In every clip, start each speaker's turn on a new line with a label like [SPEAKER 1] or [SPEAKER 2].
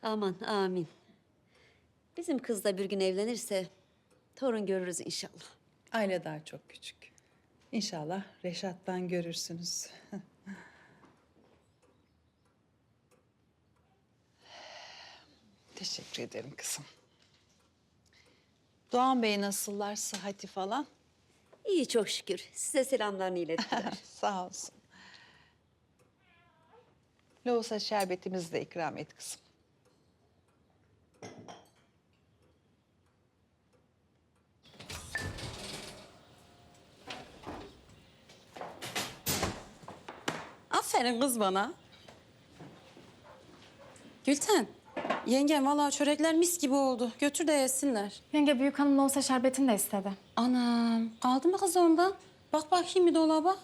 [SPEAKER 1] Aman amin. Bizim kız da bir gün evlenirse torun görürüz inşallah.
[SPEAKER 2] Aile daha çok küçük. İnşallah Reşat'tan görürsünüz. Teşekkür ederim kızım. Doğan Bey nasıllar, sıhhati falan?
[SPEAKER 1] İyi çok şükür. Size selamlarını ilettiler.
[SPEAKER 2] Sağ olsun. Lohusa şerbetimizi de ikram et kızım.
[SPEAKER 3] Aferin kız bana. Gülten, yengem vallahi çörekler mis gibi oldu. Götür de yesinler.
[SPEAKER 4] Yenge büyük hanımla olsa şerbetini de istedi.
[SPEAKER 3] Anam, kaldı mı kız ondan? Bak bakayım bir dolaba.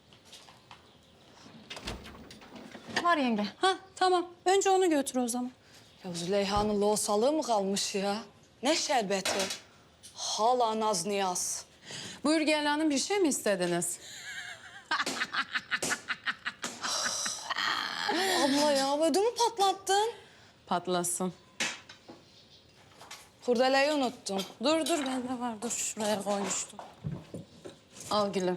[SPEAKER 4] Var yenge.
[SPEAKER 3] Ha tamam, önce onu götür o zaman.
[SPEAKER 5] Ya Züleyha'nın loğusalığı mı kalmış ya? Ne şerbeti? Hala naz niyaz.
[SPEAKER 3] Buyur Gel Hanım, bir şey mi istediniz?
[SPEAKER 5] Abla ya ödümü patlattın.
[SPEAKER 3] Patlasın.
[SPEAKER 5] Kurdeleyi unuttum.
[SPEAKER 3] Dur, bende var. Dur, şuraya koymuştum. Al gülüm.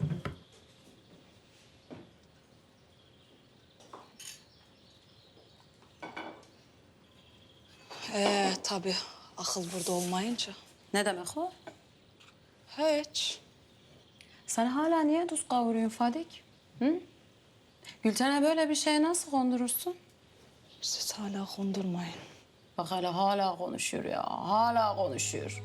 [SPEAKER 5] Tabii akıl burada olmayınca.
[SPEAKER 3] Ne demek o?
[SPEAKER 5] Hiç.
[SPEAKER 3] Sen hala niye tuz kavuruyorsun Fadik? Hı? Gülten'e böyle bir şeye nasıl kondurursun?
[SPEAKER 5] Siz hala kondurmayın.
[SPEAKER 3] Bak hala konuşuyor ya. Hala konuşuyor.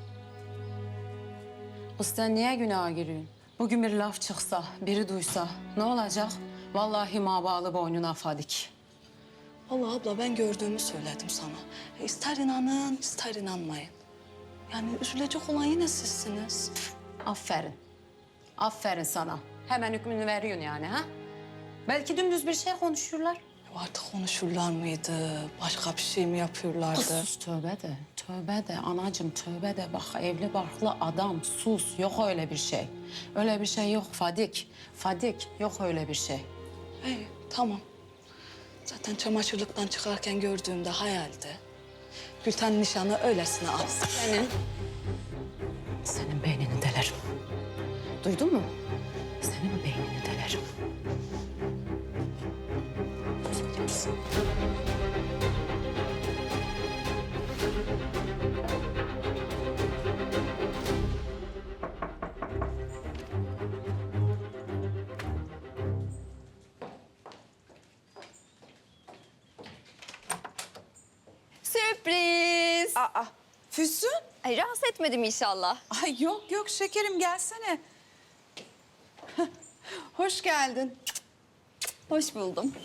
[SPEAKER 3] Kız sen niye günaha giriyorsun? Bugün bir laf çıksa, biri duysa ne olacak? Vallahi ma bağlı boynuna Fadik.
[SPEAKER 5] Vallahi abla ben gördüğümü söyledim sana. İster inanın, ister inanmayın. Yani üzülecek olan yine sizsiniz.
[SPEAKER 3] Aferin. Aferin sana. Hemen hükmünü veriyorsun yani ha? Belki dümdüz bir şey konuşuyorlar.
[SPEAKER 5] Artık konuşurlar mıydı? Başka bir şey mi yapıyorlardı?
[SPEAKER 3] Sus tövbe de. Tövbe de anacığım tövbe de. Bak evli barklı adam sus. Yok öyle bir şey. Öyle bir şey yok Fadik. Fadik yok öyle bir şey.
[SPEAKER 5] İyi, tamam. Zaten çamaşırlıktan çıkarken gördüğümde hayaldi. Gülten nişanı öylesine alsın.
[SPEAKER 3] Senin beynini delerim. Duydun mu? Senin beynini delerim.
[SPEAKER 6] Sürpriz.
[SPEAKER 7] Füsun?
[SPEAKER 6] Ay, rahatsız etmedim inşallah.
[SPEAKER 7] Ay yok şekerim gelsene. Hoş geldin.
[SPEAKER 6] Hoş buldum.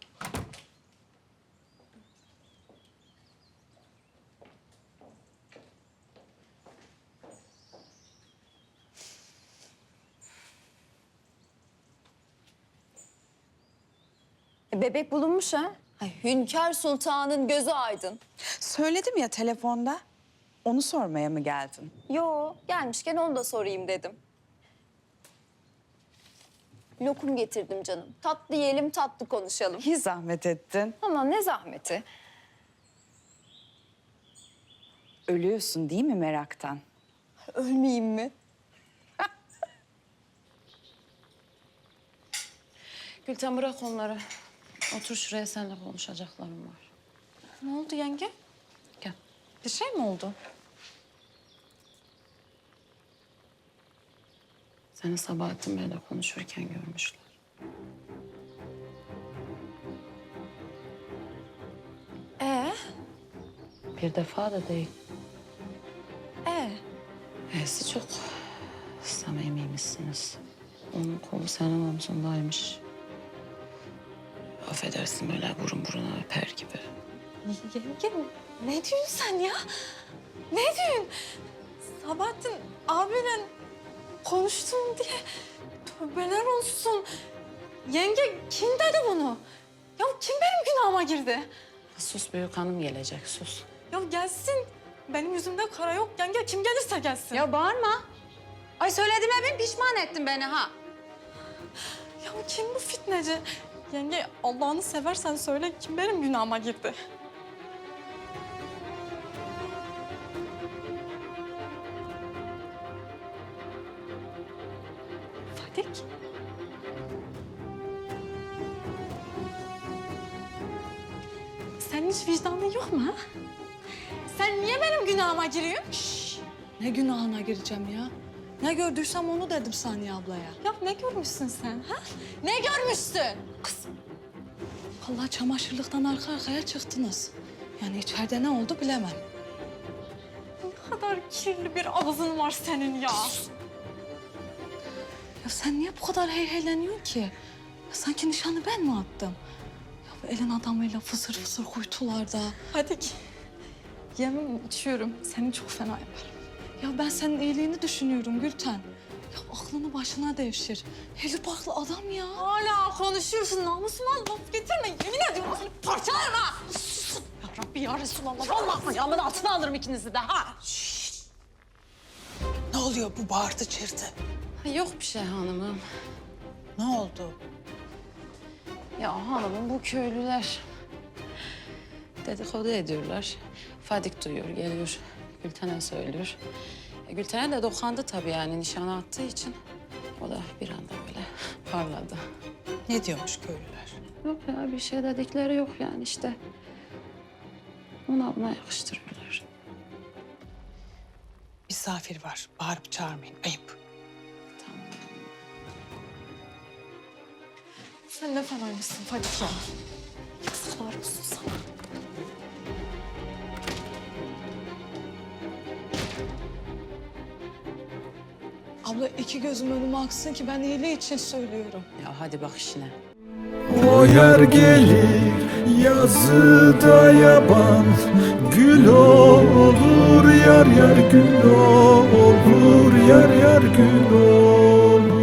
[SPEAKER 6] Bebek bulunmuş ha. Ay, Hünkâr Sultan'ın gözü aydın.
[SPEAKER 7] Söyledim ya telefonda. Onu sormaya mı geldin?
[SPEAKER 6] Yo, gelmişken onu da sorayım dedim. Lokum getirdim canım. Tatlı yiyelim, tatlı konuşalım.
[SPEAKER 7] İyi zahmet ettin.
[SPEAKER 6] Ama ne zahmeti.
[SPEAKER 7] Ölüyorsun değil mi meraktan?
[SPEAKER 6] Ölmeyeyim mi?
[SPEAKER 3] Gülten bırak onları. Otur şuraya seninle konuşacaklarım var.
[SPEAKER 4] Ne oldu yenge?
[SPEAKER 3] Gel.
[SPEAKER 4] Bir şey mi oldu?
[SPEAKER 3] Seni Sabahattin Bey'le konuşurken görmüşler. Bir defa da değil. E'si çok samimiymişsiniz. Onun kolu senin omzundaymış. Affedersin böyle burun buruna öper gibi.
[SPEAKER 4] Yenge ne diyorsun sen ya? Ne diyorsun? Sabahattin abiyle konuştum diye tövbeler olsun. Yenge kim dedi bunu? Ya kim benim günahıma girdi?
[SPEAKER 3] Sus büyük hanım gelecek sus.
[SPEAKER 4] Ya gelsin. Benim yüzümde kara yok yenge. Kim gelirse gelsin.
[SPEAKER 3] Ya bağırma. Ay söylediğime bin pişman ettin beni ha.
[SPEAKER 4] Ya kim bu fitneci? Yenge Allah'ını seversen söyle kim benim günahıma girdi? Fadik. Senin hiç vicdanın yok mu ha? Sen niye benim günahıma giriyorsun?
[SPEAKER 5] Ne günahına gireceğim ya? Ne gördüysem onu dedim Saniye ablaya.
[SPEAKER 4] Ya ne görmüşsün sen ha? Ne görmüşsün?
[SPEAKER 5] Vallahi çamaşırlıktan arka arkaya çıktınız. Yani içeride ne oldu bilemem.
[SPEAKER 4] Ne kadar kirli bir ağzın var senin ya.
[SPEAKER 5] Ya sen niye bu kadar heyheyleniyorsun ki? Ya sanki nişanı ben mi attım? Ya bu elin adamıyla fısır fısır kuytularda.
[SPEAKER 4] Fadik. Yemin içiyorum seni çok fena yaparım.
[SPEAKER 5] Ya ben senin iyiliğini düşünüyorum Gülten. Ya aklını başına devşir. Evli barklı adam ya.
[SPEAKER 4] Hala konuşuyorsun namusuma laf getirme. Yemin ediyorum seni parçalarım ha. Ya Rabbi ya Resulallah. Vallahi ayağımın altına alırım ikinizi de ha.
[SPEAKER 7] Ne oluyor bu bağırtı çırtı?
[SPEAKER 3] Yok bir şey hanımım.
[SPEAKER 7] Ne oldu?
[SPEAKER 3] Ya hanımım bu köylüler dedikodu ediyorlar. Fadik duyuyor, geliyor. Gülten'e söylüyor. Gülten'e de dokandı tabii yani nişana attığı için. O da bir anda böyle parladı.
[SPEAKER 7] Ne diyormuş köylüler?
[SPEAKER 3] Yok ya bir şey dedikleri yok yani işte. Ona buna yakıştırıyorlar.
[SPEAKER 7] Misafir var. Bağırıp çağırmayın. Ayıp.
[SPEAKER 4] Sen ne fenaymışsın Fadik ya. Yazıklar olsun sana.
[SPEAKER 5] Abla iki gözüm önüme aksın ki ben iyiliği için söylüyorum.
[SPEAKER 3] Ya hadi bak işine.
[SPEAKER 8] O yer gelir yazıda yaban, gül olur yar yar gül olur yar yar gül olur.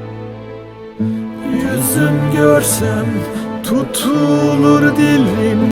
[SPEAKER 8] Yüzüm görsem tutulur dilim.